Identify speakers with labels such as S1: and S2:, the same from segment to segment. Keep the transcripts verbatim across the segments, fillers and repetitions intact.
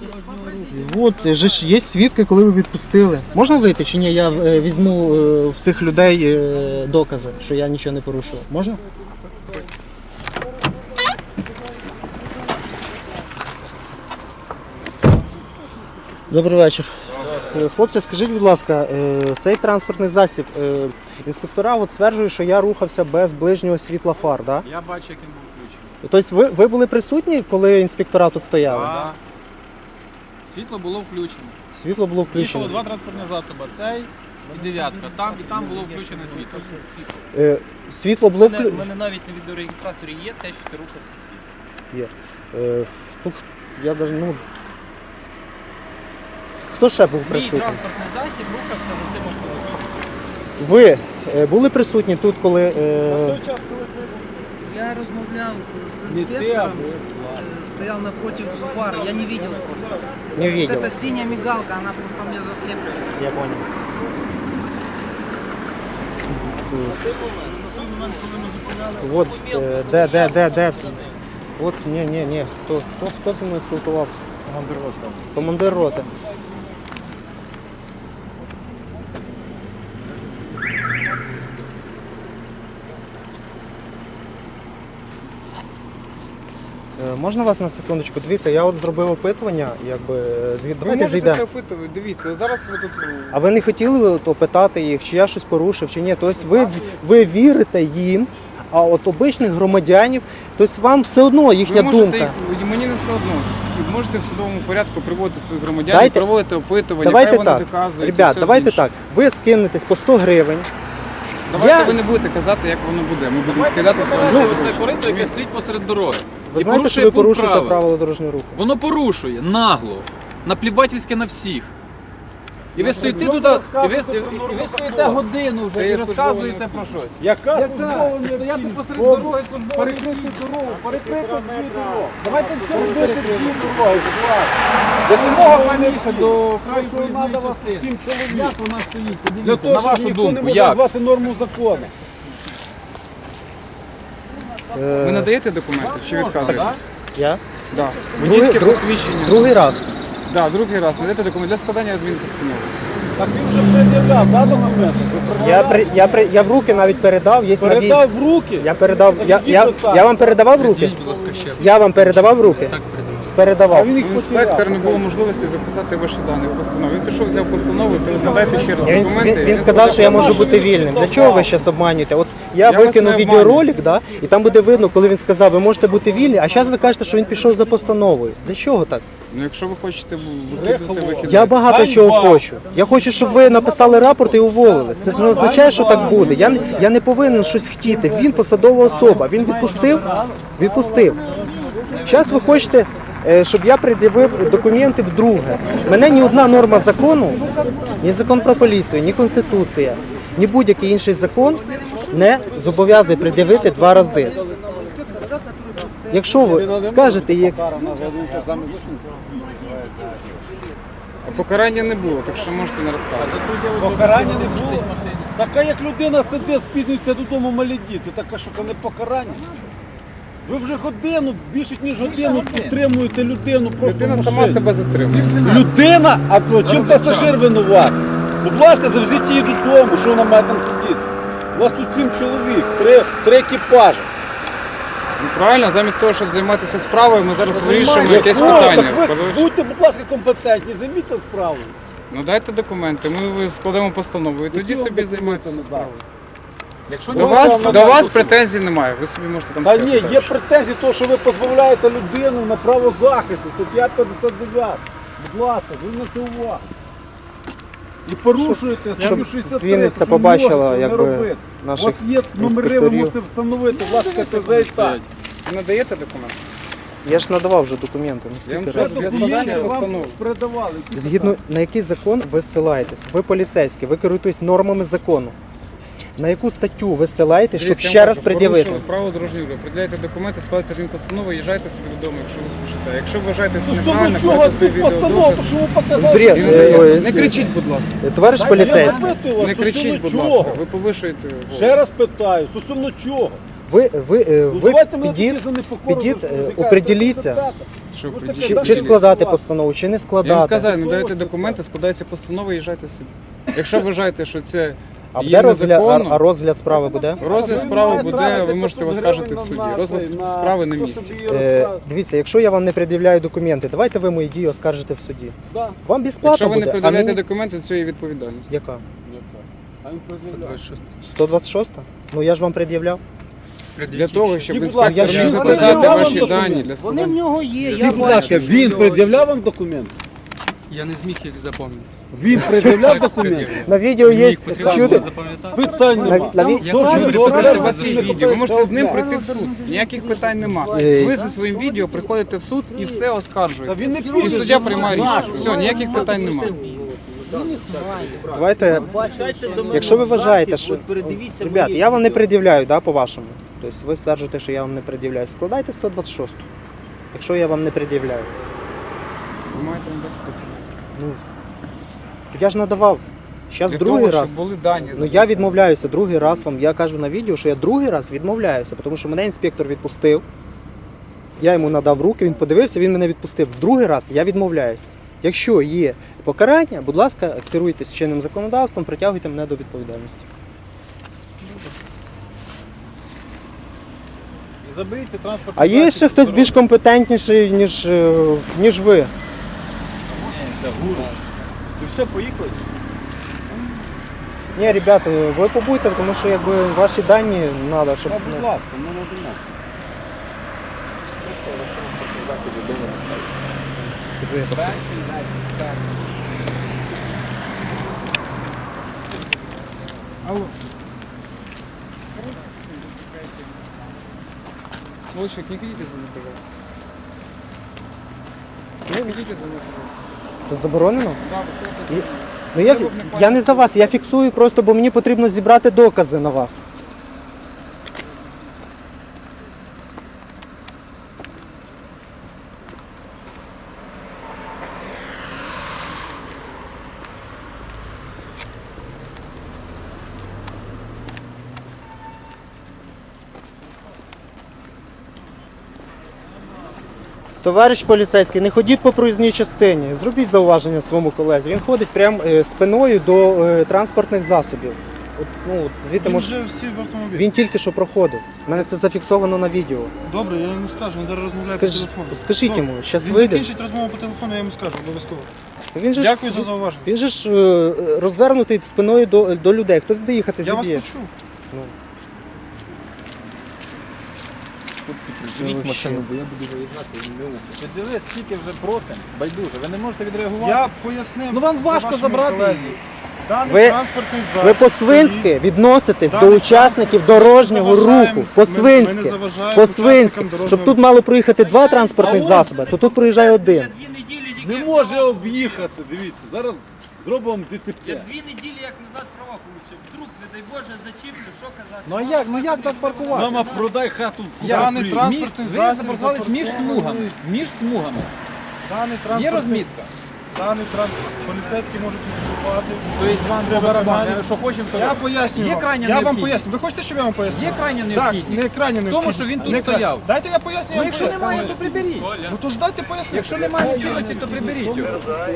S1: От, же ж є свідки, коли ви відпустили. Можна вийти чи ні? Я е, візьму е, в цих людей е, докази, що я нічого не порушував. Можна? Добрий вечір. Хлопці, скажіть, будь ласка, цей транспортний засіб, інспектора от стверджують, що я рухався без ближнього світла фар, так?
S2: Я бачу, як він був включений.
S1: Тобто ви, ви були присутні, коли інспектора тут стояли?
S2: Так. Да. Світло було включено.
S1: Світло було включено.
S2: Їхало два транспортні засоби, цей і дев'ятка. Там і там було включене світло.
S1: Е, світло було включено?
S3: У мене навіть на відеореєстраторі є те, що ти рухався світло.
S1: Є. Е, ну, я даже, ну... Хто ще був
S3: Мій
S1: присутній?
S3: транспортний засіб рухався за цим автомобілем.
S1: Ви е, були присутні тут, коли... Е...
S4: Я размовлял с инспектором, э, стоял напротив фар, я не видел просто.
S1: Не видел.
S4: Вот эта синяя мигалка, она просто мне заслепляет.
S1: Я понял. Вот, е, де, де, де, де? От, ні, ні, ні. Хто, хто, хто зі мною спілкувався? Командир роти. Командир роти. Е, Можна вас на секундочку? Дивіться, я от зробив опитування, якби, звід...
S2: Ви
S1: давайте
S2: можете
S1: зайдемо.
S2: це опитувати. Дивіться, зараз ви тут...
S1: А ви не хотіли ви от опитати їх, чи я щось порушив, чи ні? Тобто ви, ви вірите їм, а от обичних громадянів, тобто вам все одно їхня
S2: Ви можете
S1: думка.
S2: їх, мені не все одно. Можете в судовому порядку приводити своїх громадян,
S1: Дайте-
S2: проводити опитування,
S1: Давайте
S2: хай вони
S1: так,
S2: доказують. і
S1: ребят,
S2: все
S1: давайте
S2: інше.
S1: так. Ви скинетесь по сто гривень.
S2: Давайте
S1: Я-
S2: ви не будете казати, як воно буде. Ми будемо скидатися.
S1: Ну,
S2: Це корито, яке стоїть посеред дороги.
S1: Ви
S2: І
S1: знаєте, що
S2: порушує
S1: ви
S2: пункт
S1: порушуєте
S2: правил.
S1: правила дорожнього руху?
S2: Воно порушує нагло, наплівательське на всіх. І ви стоїте туди, і ви, і ви стоїте годину вже і розказуєте про щось.
S5: Яка
S2: Яка?
S5: службова
S2: Стояти посеред дороги, службова.
S5: перекрити дорогу, перекрити дві дороги.
S2: Давайте все
S5: Перекрити
S2: робити.
S5: дві дороги, будь ласка.
S2: Допомога паніше до краю
S5: Що
S2: проїзної
S5: треба вас
S2: частини.
S5: цим чоловіком?
S2: Як вона стоїть?
S5: Для
S2: Подивіться,
S5: того,
S2: на
S5: щоб
S2: вашу
S5: ніхто не
S2: думку,
S5: може
S2: як?
S5: назвати норму закону.
S2: Ви надаєте документи чи відказуєтесь?
S1: Я?
S2: Так.
S1: Другий-
S2: Водійське
S1: друг-
S2: посвідчення.
S1: Другий раз.
S2: Так, другий раз. Надаєте документи для складання адмінпостанови.
S5: Так він вже пред'являв, да, документи? Ви
S1: Я,
S5: пред'являли?
S1: при, я, при, я в руки навіть передав. Є на відео.
S5: Передав в руки?
S1: Я передав.
S5: Так
S1: Я,
S5: ідіть
S1: я,
S5: отак.
S1: я вам передавав в руки?
S2: Підіть, будь ласка, ще раз.
S1: Я вам передавав в руки?
S2: Так, передавайте.
S5: А
S1: Передавав.
S5: він їх
S2: У інспектора не
S5: потеряв.
S2: було можливості записати ваші дані в постанову. Він пішов, взяв постанову, то надайте ще раз
S1: Він,
S2: документи.
S1: він, він сказав, що я можу бути вільним. Для чого ви зараз обманюєте? От я,
S2: Я вас
S1: викинув
S2: не
S1: відеоролик, да, і там буде видно, коли він сказав, ви можете бути вільні, а зараз ви кажете, що він пішов за постановою. Для чого так?
S2: Ну, якщо ви хочете викидати, викидайте.
S1: Я багато
S5: Ганьба!
S1: чого хочу. Я хочу, щоб ви написали рапорт і уволились. Це ж не означає, що так буде. Я, не- я не повинен щось хотіти. Він посадова особа. Він відпустив? Відпустив. Зараз ви хочете, е, щоб я пред'явив документи вдруге. Мене ні одна норма закону, ні закон про поліцію, ні Конституція, ні будь-який інший закон не зобов'язує пред'явити два рази. Якщо ви скажете, як...
S2: А покарання не було, так що можете не розказувати.
S5: Покарання не було. Така як людина сидить, спізнюється додому малі діти, така що це не покарання. Ви вже годину, більше ніж годину підтримуєте людину просто
S2: Людина
S5: в
S2: сама
S5: машині.
S2: себе затримує.
S5: Людина, а то чим пасажир винуватий? Будь ласка, завезіть її додому, що вона має там сидіти. У вас тут сім чоловік, три, три екіпажі.
S2: Ну, правильно, замість того, щоб займатися справою, ми зараз вирішуємо якесь
S5: Якщо,
S2: питання.
S5: так ви
S2: Подивіться.
S5: будьте, будь ласка, компетентні, займіться справою.
S2: Ну дайте документи, ми складемо постанову і тоді
S5: Які
S2: собі
S5: вам
S2: займайтеся
S5: документи
S2: справою.
S5: Якщо
S2: До вас, до вас претензій немає, ви собі можете там
S5: Та
S2: сказати
S5: ні,
S2: далі.
S5: є претензії того, що ви позбавляєте людину на право захисту, стаття п'ятдесят дев'ять. Будь ласка, зверніть увагу. І порушуєте
S1: Щоб
S5: статтю шістдесят три,
S1: Вінниця
S5: що
S1: побачила,
S5: можете не
S1: якби,
S5: робити. У
S1: наших
S5: вас є номери, ви
S1: інспекторів.
S5: можете встановити, власне, КПЗ і так.
S2: Ви надаєте документи?
S1: Я ж надавав вже документи. Ну,
S2: Я вам
S1: скільки
S2: ще
S1: разів?
S2: для
S5: Документи
S2: складання
S5: вам
S2: постанови.
S5: передавали. які
S1: Згідно
S5: питання?
S1: на який закон ви ссилаєтесь? Ви поліцейські, ви керуєтесь нормами закону. На яку статтю ви ссилаєтесь, щоб
S2: Дивіться, я
S1: ще
S2: вам
S1: раз
S2: кажу,
S1: пред'явити?
S2: порушили право дорожнього руху. Приділяйте документи, складайте адмінпостанову, їжджайте собі додому, якщо ви спішите. Якщо вважаєте, що
S5: Стосовно
S2: неправильно,
S5: чого
S2: кладете свій
S5: тут постанову,
S2: відеодоказ.
S5: то що ви показали?
S1: Бред,
S5: що
S2: І
S5: ви
S1: е,
S2: надаєте.
S1: ой,
S2: Не кричіть, будь ласка.
S1: Товариш
S5: Я
S1: поліцейський,
S5: запитую вас,
S2: Не кричіть, будь
S5: стосовно
S2: ласка.
S5: чого?
S2: Ви повишуєте голос.
S5: Ще раз питаю, стосовно чого?
S1: ви, ви, е,
S5: Ну,
S1: ви
S5: давайте мене
S1: підіть,
S5: тоді за непокору
S1: підіть,
S5: ви
S1: е,
S5: що,
S1: определіться.
S5: чекайте,
S6: Що ви
S5: Ну,
S6: придіть?
S5: таке,
S1: Чи, чи складати постанову, чи не
S6: Я вам
S1: складати.
S6: сказав, надаєте документи, складається постанова і їжджайте собі. Якщо вважаєте, що це
S1: А
S6: є
S1: буде розгляд, а,
S6: незаконно,
S1: а розгляд справи буде?
S6: розгляд справи буде, ви можете оскаржити в суді. Розгляд справи на місці.
S1: Е, дивіться, якщо я вам не пред'являю документи, давайте ви мої дії оскаржите в суді. Вам безплатно
S6: Якщо ви
S1: буде,
S6: не
S1: а
S6: пред'являєте
S1: мені...
S6: документи, це є відповідальність.
S1: Яка?
S5: А він пред'являє.
S1: сто двадцять шоста? Ну я ж вам пред'являв.
S6: Для того, щоб
S5: І, будь
S6: інспектор
S1: ласка,
S6: міг
S1: я
S6: записати
S1: ж-
S6: ваші
S5: Вони
S6: дані для
S4: Вони в
S6: складання.
S4: нього є, я
S5: Скажіть, будь ласка,
S4: бачу.
S5: він пред'являв вам документ?
S3: Я не зміг їх запам'ятати.
S5: Він пред'являв документ?
S1: На відео є чути.
S3: запам'ятати.
S5: Питань
S1: На,
S5: нема.
S1: на, ві-
S3: Я
S5: Дуже
S3: кажу,
S5: добре.
S6: Добре, у вас
S5: Добре.
S6: є відео, ви можете з ним прийти в суд. Ніяких питань нема.
S1: Е,
S6: Ви зі своїм відео приходите в суд і все
S5: Та
S6: оскаржуєте.
S5: він не
S6: І
S5: піде.
S6: суддя приймає рішення. Все, ніяких питань нема.
S1: давайте, якщо ви вважаєте, що... Ребят, я вам не пред'являю, да, по-вашому. Тобто ви стверджуєте, що я вам не пред'являю. Складайте сто двадцять шосту, якщо я вам не пред'являю.
S6: Ви маєте надати документи.
S1: Ну, я ж надавав. Зараз
S6: Для
S1: другий
S6: того,
S1: раз.
S6: щоб були дані.
S1: Ну я
S6: записані.
S1: відмовляюся другий раз вам. Я кажу на відео, що я другий раз відмовляюся, тому що мене інспектор відпустив. Я йому надав руки, він подивився, він мене відпустив. Другий раз я відмовляюся. Якщо є покарання, будь ласка, керуйтесь чинним законодавством, притягуйте мене до відповідальності.
S2: Забийте транспорт.
S1: А є ще хтось більш компетентніший, ніж, е, ніж ви.
S5: Ти все, поїхали?
S1: Ні, ребята, ви побудьте, тому що якби ваші дані треба, щоб.
S5: Та, будь
S1: ну,
S5: ласка, ну не думав.
S6: Лучик, не ходите за мной, пожалуйста. Не ходите за мной, пожалуйста.
S1: Це заборонено?
S6: Да, вы кто-то
S1: І- Ну я, я не за вас, я фіксую просто, бо мені потрібно зібрати докази на вас. Товариш поліцейський, не ходіть по проїзній частині. Зробіть зауваження своєму колезі. Він ходить прямо е, спиною до е, транспортних засобів. От, ну, от звідти
S7: Він
S1: мож...
S7: вже всі в автомобілі.
S1: Він тільки що проходив. У мене це зафіксовано на відео.
S7: Добре, я йому скажу, він зараз розмовляє
S1: Скаж...
S7: по телефону.
S1: Скажіть
S7: Добре.
S1: йому, зараз
S7: Він
S1: вийде.
S7: закінчить розмову по телефону, я йому скажу, обов'язково.
S1: Він же
S7: Дякую
S1: ж,
S7: за зауваження.
S1: Він же ж е, розвернутий спиною до, до людей. Хтось буде їхати
S7: Я вас
S1: зіб'є.
S7: почув.
S2: Приберіть машину, бо я буду виїжджати. Ви дивись, скільки вже просимо. Байдуже, ви не можете відреагувати.
S7: Я пояснив.
S2: Ну вам
S7: за
S2: важко
S7: вашими
S2: забрати
S7: колегами.
S2: її.
S7: Даний
S1: Ви-
S7: транспортний засіб.
S1: Ви по-свинськи
S7: стоїть.
S1: відноситесь
S7: Даний
S1: до учасників дорожнього
S7: заважаємо.
S1: руху.
S7: Ми- ми
S1: По-свинськи.
S7: не заважаємо
S1: По-свинськи.
S7: учасникам дорожнього
S1: Щоб тут
S7: руху.
S1: мало проїхати два транспортних засоби, то тут проїжджає один.
S3: Дві неділі
S5: Не
S3: тільки
S5: може об'їхати, дивіться, зараз зробимо ДТП.
S3: Я дві неділі як назад права получив. Вдруг, не дай Боже, зачіплю, що казати.
S2: Ну а як, ну як так паркувати?
S5: Мама, продай хату.
S7: Даний
S5: Купи.
S7: транспортний
S2: Ви
S7: засіб.
S2: запаркувались між смугами. Між смугами.
S7: Даний
S2: Є
S7: транспортний
S2: розмітка.
S7: Даний транспорт. Поліцейські можуть відступати.
S2: Тобто вам по
S7: Треба
S2: барабану.
S7: виконання.
S2: Що хочемо, то
S7: Я
S2: робимо.
S7: пояснюю
S2: Є
S7: вам.
S2: крайня
S7: Я вам
S2: необхідність.
S7: поясню. Ви хочете, щоб я вам пояснив?
S2: Є крайня
S7: Так,
S2: необхідність.
S7: не крайня
S2: В тому,
S7: необхідність.
S2: що він тут
S7: Не кра-
S2: стояв.
S7: Дайте я поясню.
S2: Ну
S7: я вам
S2: якщо
S7: поясню.
S2: немає, то приберіть.
S7: Ну то ж дайте поясню.
S2: Якщо немає необхідності, то приберіть його.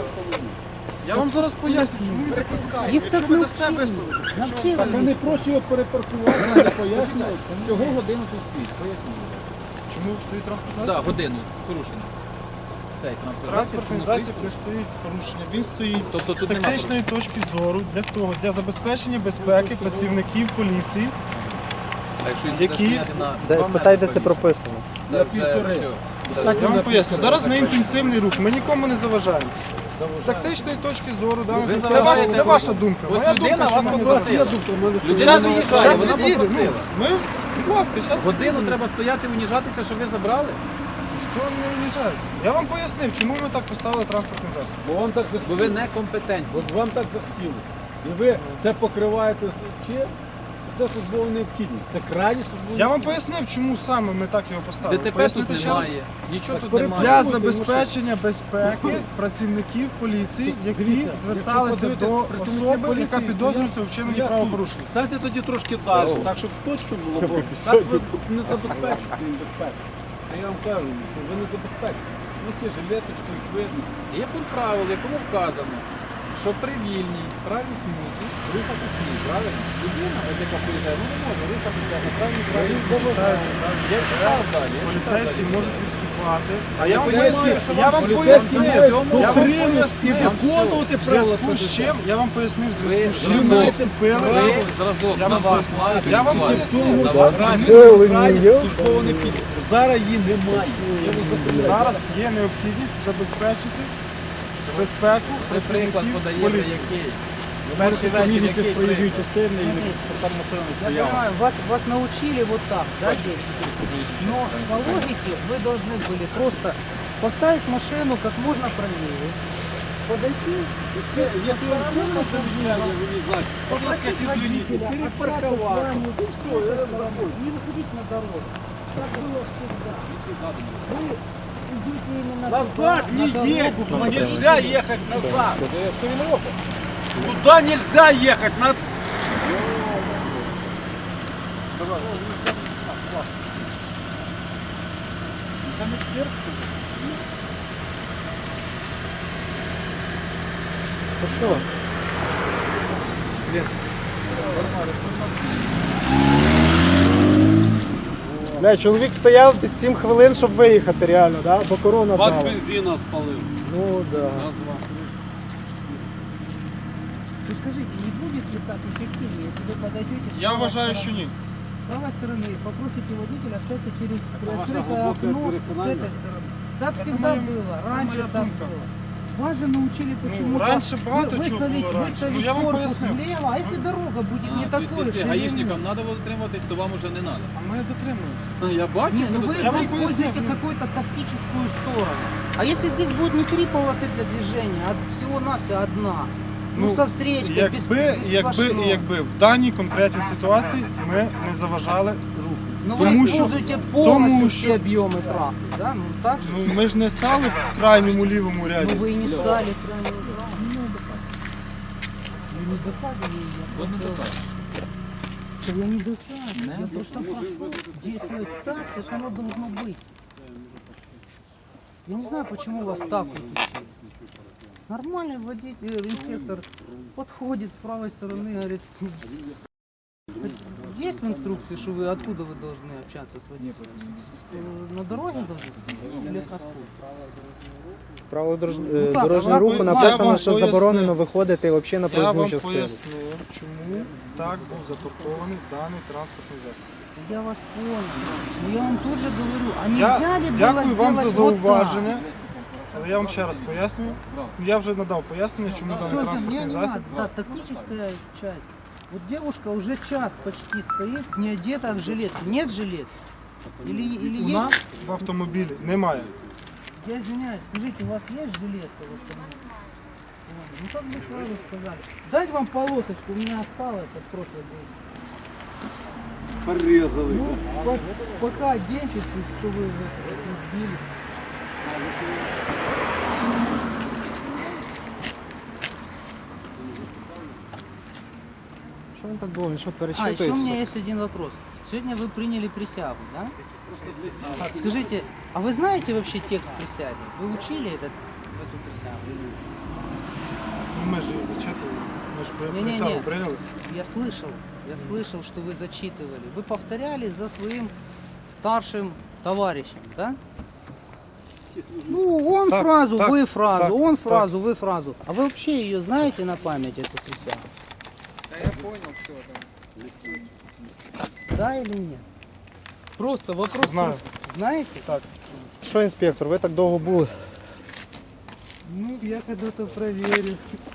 S7: Я вам зараз поясню, чому він так відкає. Якщо ви дасте висловити.
S5: Так вони проще його перепаркувати, не пояснюють.
S2: Чого годину тут стоїть? Поясніть.
S7: Чому стоїть транспортний
S2: Так, годину з порушенням. Цей транспорт.
S7: Транспортний засіб не стоїть з порушенням. Він стоїть
S2: Тобто
S7: з
S2: тут нема
S7: тактичної точки зору для того, для забезпечення безпеки працівників поліції.
S2: А якщо він
S7: Які?
S2: буде стояти на
S1: Де,
S2: два
S1: спитай, де
S2: метри
S1: це
S2: повіше?
S1: прописано.
S2: Це вже все.
S7: Я вам поясню. Зараз на інтенсивний рух. Ми нікому не заважаємо. З тактичної точки зору, да,
S2: Ви
S7: це,
S2: заважаєте
S7: ваша, це ваша думка.
S2: Ось
S7: Моя
S2: людина
S7: думка, що
S2: вас
S7: ми не
S2: попросила.
S7: заважаємо.
S2: Людина
S7: Щас-
S2: виїжджає,
S7: щас
S2: вона
S7: від'їде, ну,
S2: попросила.
S7: Ми, будь ласка, зараз.
S2: Годину треба стояти, уніжатися, що ви забрали?
S7: Хто не уїжджається? Я вам пояснив, чому ми так поставили транспортний засіб.
S5: Бо вам так
S2: Бо
S5: захотілося.
S2: ви некомпетентні.
S5: От вам так захотілося. І ви це покриваєте з чим? Це службова необхідність. Це крайні службова
S7: Я вам пояснив, чому саме ми так його поставили.
S2: ДТП тут
S7: Пояснити ще раз?
S2: немає, нічого тут
S5: перед-
S7: Для
S2: немає.
S7: забезпечення безпеки працівників поліції, які
S5: Дивіться,
S7: зверталися
S5: якщо
S7: до
S5: подивитись, працівники
S7: особи,
S5: поліції
S7: яка підозрюється у
S5: стоять,
S7: вчиненні
S5: стоять
S7: правопорушення.
S5: Станьте тоді трошки далі, так щоб точно було. Бо так ви не забезпечите їм безпеку. Це я вам кажу, що ви не забезпечите. зверхи жилеточку, їх видно.
S2: Є пункт правил, в якому вказано, що при вільній правій смузі рухатись ні, правильно? Людина, от яка приїжджає, ну не може рухатися на правій правій смузі. Я читав далі. я читав
S7: Поліцейські
S2: далі.
S7: можуть відступати. А
S2: Я
S7: я вам
S2: поясню,
S7: поясню,
S2: що
S7: я
S2: вам
S7: вам
S2: поліцейські
S7: пояснив,
S2: мають
S7: дотримуюсь і
S2: пояснив.
S7: виконувати
S5: В
S7: правила.
S5: зв'язку
S7: з чим? Я вам пояснив в зв'язку з
S2: Ви
S7: чим ми відступили.
S2: Ви зразок на вас мають
S7: Я вам
S2: відбуватися.
S7: пояснив,
S2: На вас
S5: службово не піде. Зараз її немає. Я вас запевняю.
S7: зараз є необхідність забезпечити безпеку
S2: Ви приклад
S7: працівників
S2: подаєте,
S7: поліції.
S2: який?
S5: Ви
S2: Перший
S5: самі
S2: вечір,
S5: якісь
S2: який
S5: проїжджої
S2: приклад?
S5: частини і там машина не
S4: Я
S5: стояла.
S4: понимаю, вас, вас научили вот так, да, действовать. Но по логике вы должны были просто поставить машину как можно правее, подойти,
S5: Если он сильно замечание, вы не знаете,
S4: попросить водителя
S5: перепарковаться.
S4: не выходить на дорогу. Так было всегда. Вы идете именно
S5: Назад
S4: туда,
S5: не
S4: на дорогу,
S5: едь,
S4: по воде.
S5: нельзя ехать назад.
S2: Що він робить?
S5: Туда нельзя ехать, надо...
S1: То що? Бля, чоловік стояв десь сім хвилин, щоб виїхати реально, да? Бо корона
S5: Вас
S1: брала.
S5: бензина спалив.
S1: Ну да.
S4: Вы скажите, не будет ли так эффективнее, если вы подойдете с
S7: Я
S4: правой
S7: вважаю,
S4: стороны?
S7: що ні.
S4: С правой стороны попросите водителя общаться через
S5: ваше
S4: приоткрытое
S5: глубокое
S4: окно с
S5: переконание?
S4: этой стороны. Так всегда
S7: моя-
S4: было,
S7: это
S4: раньше
S7: моя
S4: так
S7: думка.
S4: было. Вас же научили почему-то
S7: раньше багато
S4: вы-
S7: чого
S4: выставить,
S7: було раніше.
S4: выставить
S7: Ну, я вам
S4: корпус
S7: пояснив.
S4: влево, а если дорога будет не
S2: А,
S4: такой
S2: тобто, якщо
S4: ширины?
S2: гаїшникам треба дотримуватись, то вам уже не треба.
S7: А ми дотримуємося.
S2: Ну, я бачу,
S4: Не, ну вы,
S7: Я
S4: вы
S7: вам
S4: используете
S7: поясню.
S4: какую-то тактическую сторону. А если здесь будет не три полосы для движения, а всего-навсего одна? Ну, со встречкой, без,
S7: якби,
S4: без
S7: якби,
S4: сплошного.
S7: якби в даній конкретній ситуації ми не заважали руху.
S4: Ну вы
S7: Тому що,
S4: используете полностью
S7: тому
S4: все
S7: що
S4: объемы трассы, да? Ну так же?
S7: ну, ми ж не стали в крайньому лівому
S4: Ну
S7: ряді.
S4: вы и не стали крайне. Вы не доказывали, я
S2: От не
S4: просто...
S2: доказує.
S4: Что я не доказываю, я просто прошу действовать так, как оно должно быть. Я не знаю, почему вас так вот учили. Нормальный водитель, инспектор подходит с правой стороны, говорит, есть в инструкции, что вы откуда вы должны общаться с водителем? С- с- На дороге должны стоять или откуда?
S1: Правило дорож-
S4: Ну,
S1: е,
S4: так,
S1: дорожнього
S4: а
S1: руху
S4: ви-
S1: написано,
S7: вам
S1: що
S7: пояснив.
S1: заборонено виходити взагалі на
S7: Я
S1: проїзну
S7: вам
S1: частину.
S7: пояснив, чому так був запаркований даний транспортний засіб.
S4: Я вас понял. Но я вам тут же говорю, а
S7: Я
S4: нельзя ли было
S7: дякую вам за
S4: сделать вот так?
S7: зауваження, але я вам ще раз пояснюю. Я вже надав пояснення, чому даний
S4: Всё, мне
S7: транспортний
S4: не
S7: засіб.
S4: надо. Да, тактическая часть. Вот девушка уже час почти стоит, не одета в жилетку. Нет жилет? Или, или
S7: У
S4: есть?
S7: нас в автомобілі немає.
S4: Я извиняюсь, скажите, у вас есть жилетка в автомобиле? Вот. Ну как бы сразу сказали. Дать вам полосочку, у меня осталось от прошлой дочи.
S5: Порезали.
S4: Ну, по- пока оденьтесь, что вы вот вас не сбили.
S1: Що він так довго? Він що
S4: А, еще
S1: перечитує
S4: у меня
S1: все?
S4: есть один вопрос. Сегодня вы приняли присягу, да? А, скажите, а вы знаете вообще текст присяги? Вы учили этот, эту присягу? или нет?
S7: Ну, Ми ж її зачитували. Ми ж при-
S4: Не-не-не.
S7: присягу прийняли.
S4: Я слышал, я слышал, что вы зачитывали. Вы повторяли за своим старшим товарищем, да? Ну, он
S7: Так,
S4: фразу,
S7: так,
S4: вы фразу,
S7: так,
S4: он
S7: так.
S4: фразу, вы фразу. А вы вообще ее знаете на память, эту присягу?
S6: Я понял все, да.
S4: Да или нет? Просто вопрос.
S7: Знаю.
S4: просто. Знаете? Так.
S1: Що, інспектор, ви так довго були?
S4: Ну, я когда-то проверю.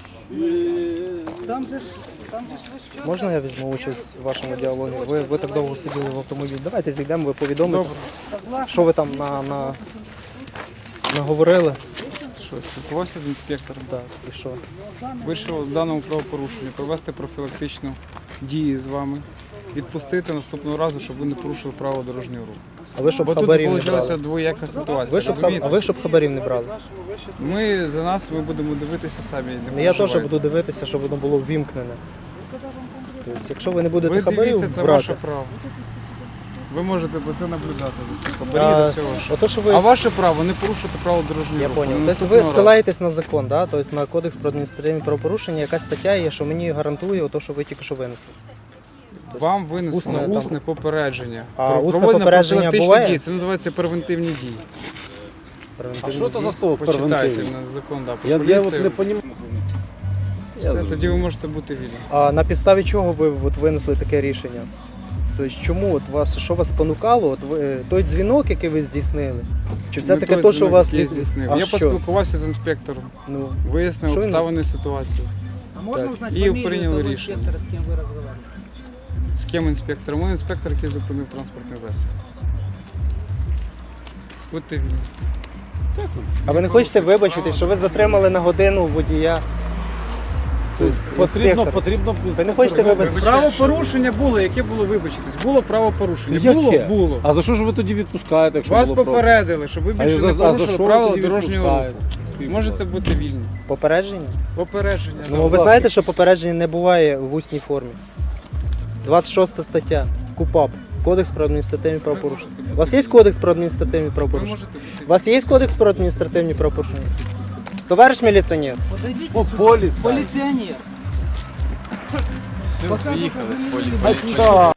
S4: Там же ж, там же ж ви що?
S1: Можна я візьму участь в вашому діалогі? Ви, ви так довго сиділи в автомобілі. Давайте зійдемо, ви повідомите, що ви там на, на, наговорили.
S6: Що, спілкувався з інспектором.
S1: Так, і що?
S6: Вийшов в даному правопорушенню, провести профілактичну дію з вами, відпустити наступного разу, щоб ви не порушили правила дорожнього руху.
S1: А ви щоб
S6: Бо тут
S1: хабарів не
S6: вийшла
S1: брали?
S6: двояка ситуація.
S1: Ви щоб, хаб-
S6: розумієте?
S1: а ви щоб хабарів не брали?
S6: Ми за нас ми будемо дивитися самі. Не
S1: Ну, я теж
S6: переживайте.
S1: буду дивитися, щоб воно було ввімкнене. Тобто, якщо ви не будете
S6: Ви
S1: хабарів
S6: дивіться, це
S1: брати,
S6: ваше право. Ви можете по це наблюдати за цим хабарі,
S1: А,
S6: за всього. що-
S1: ото, що ви...
S6: А ваше право не порушувати правила дорожнього
S1: Я
S6: руху.
S1: понял.
S6: На
S1: Тобто ви
S6: наступного разу.
S1: ссилаєтесь на закон, да? Тобто на кодекс про адміністративні правопорушення, яка стаття є, що мені гарантує те, що ви тільки що винесли.
S6: Вам винесено
S1: Усне
S6: усне,
S1: там.
S6: попередження.
S1: А
S6: Про-
S1: усне
S6: проведення
S1: попередження
S6: профілактичних
S1: буває?
S6: дій. Це називається превентивні дії.
S5: А що це за слово
S6: Почитайте
S5: превентивні?
S6: на закон, да, про
S5: Я, я от
S6: поліцію.
S5: не розумію.
S6: Все, тоді ви можете бути вільні.
S1: А на підставі чого ви от, винесли таке рішення? Тобто чому от вас, що вас спонукало? От ви, той дзвінок, який ви здійснили? Чи все
S6: Не
S1: таки
S6: той
S1: то, що
S6: дзвінок,
S1: вас...
S6: який я здійснив.
S1: А
S6: Я
S1: що?
S6: поспілкувався з інспектором,
S1: Ну,
S6: вияснив
S1: Що він-
S6: обставини ситуації.
S4: А можно
S1: Так.
S4: узнать
S6: И
S4: фамилию
S6: приняли
S4: того
S6: решение.
S4: инспектора, с кем вы разговаривали?
S6: З ким інспектором? Він інспектор, який зупинив транспортний засіб. Будьте вільні.
S1: а ви не хочете вибачити, що ви затримали на годину водія? Тобто,
S5: Потрібно,
S1: інспектор.
S5: потрібно.
S1: Ви не хочете вибачити?
S6: Правопорушення було, яке було вибачитись? Було правопорушення.
S5: Яке?
S6: Було, було.
S5: А за що ж ви тоді відпускаєте, якщо
S6: Вас
S5: було право?
S6: попередили, щоб ви
S5: А
S6: більше
S5: за-
S6: не
S5: а за
S6: порушили
S5: що ви
S6: правила
S5: тоді
S6: дорожнього руху.
S5: відпускаєте?
S6: Можете бути вільні.
S1: Попередження?
S6: Попередження.
S1: Ну,
S6: да.
S1: ви знаєте, що попередження не буває в усній формі. двадцять шоста стаття. КУПАП. Кодекс про адміністративні правопорушення. У вас є кодекс про адміністративні
S6: Ви
S1: правопорушення?
S6: можете бути
S1: У вас є кодекс про адміністративні правопорушення? Товариш міліціонер,
S4: Подойдите
S5: О,
S4: сюда.
S5: поліція.
S4: Полиционер.
S2: Все,
S4: Пока
S2: приїхали.
S4: только
S2: Полі-
S4: заменили.
S2: поліція.
S5: Так.